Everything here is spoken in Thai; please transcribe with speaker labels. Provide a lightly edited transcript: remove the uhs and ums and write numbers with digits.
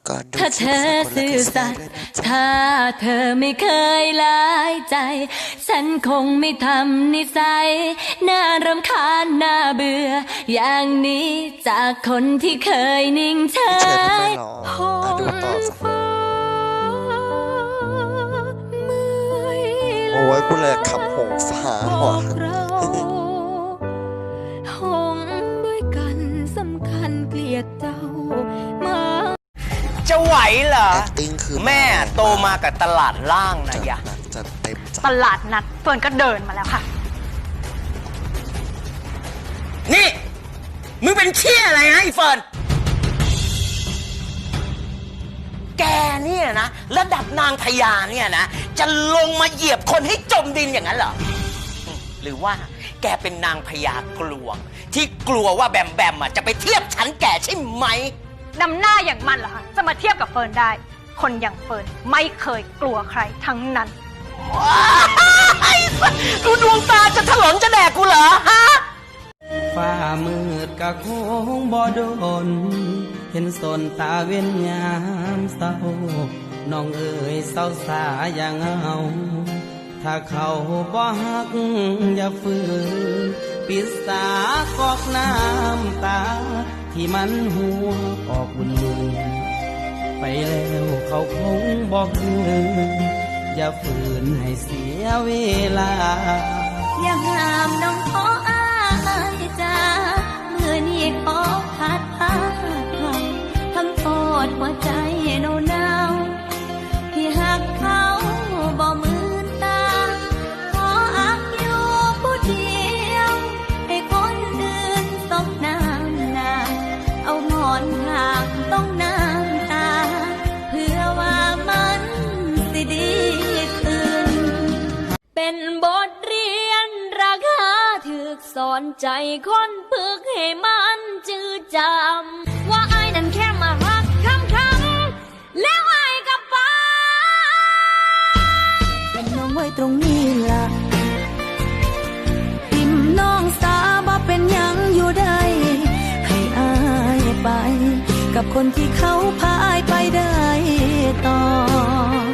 Speaker 1: ถ้าเธอซื่อสัตย์ถ้าเธอไม่เคยลายใจฉันคงไม่ทำนิสัยน่ารำคาญน่าเบื่ออย่างนี้จากคนที่เคยนิ่งเฉยห้องฟ้า
Speaker 2: โอ้ยกูเลยขับหงฟ้าว่ะ
Speaker 1: ห้องด้วยกันสำคัญเกลียดเจ้ามา
Speaker 3: จะไหวเหรอ
Speaker 2: acting คือ
Speaker 3: แม่โตมากับตลาดล่างนะยะ
Speaker 2: จัดเต็มจัด
Speaker 4: ตลาดนัดเฟิร์นก็เดินมาแล้วค่ะ
Speaker 3: นี่มึงเป็นเชี่ยอะไรนะไอ้เฟิร์นแกเนี่ยนะระดับนางพญาเนี่ยนะจะลงมาเหยียบคนให้จมดินอย่างนั้นเหรอหรือว่าแกเป็นนางพญากลวงที่กลัวว่าแบมแบมจะไปเทียบฉันแกใช่ไหม
Speaker 4: นำหน้าอย่างมันเหรอคะจะมาเทียบกับเฟิร์นได้คนอย่างเฟิร์นไม่เคยกลัวใครทั้งนั้น
Speaker 3: ดูดวงตาจะถลนจะแดกกูเหรอฮะ
Speaker 5: ฟ้ามืดกะคงบ่โดนเห็นสนตาเว้นยามเศร้าน้องเอ๋ยเศร้าสาอย่างเอาถ้าเขาบ่ฮักอย่าฝืนปิดสากอกน้ำตาที่มันหัวออกบุญไปแล้วเขาคงบอกคืนอย่าฝืนให้เสียเวลา
Speaker 1: อย่าห้ามน้องขออายจ้าเมื่อนี้ขอพัดพาไปทำโทษหัวใจหนาวที่หักเขาบ่มืนตาขออักอยู่ผู้เดียวให้คนอื่นตกน้ำหนาเอาหมอนข้างต้องน้ำตาเพื่อว่ามันสิดีขึ้นเป็นบทเรียนราคาถึกสอนใจคนพึกให้มันจืดจำว่าไอ้นั้นแค่มาหักคำแล้วไอ้กับป้าเป็นน้องไว้ตรงนี้ล่ะติมน้องสาบ่เป็นยังอยู่ได้ให้อายไปกับคนที่เขาพาอายไปได้ต่อ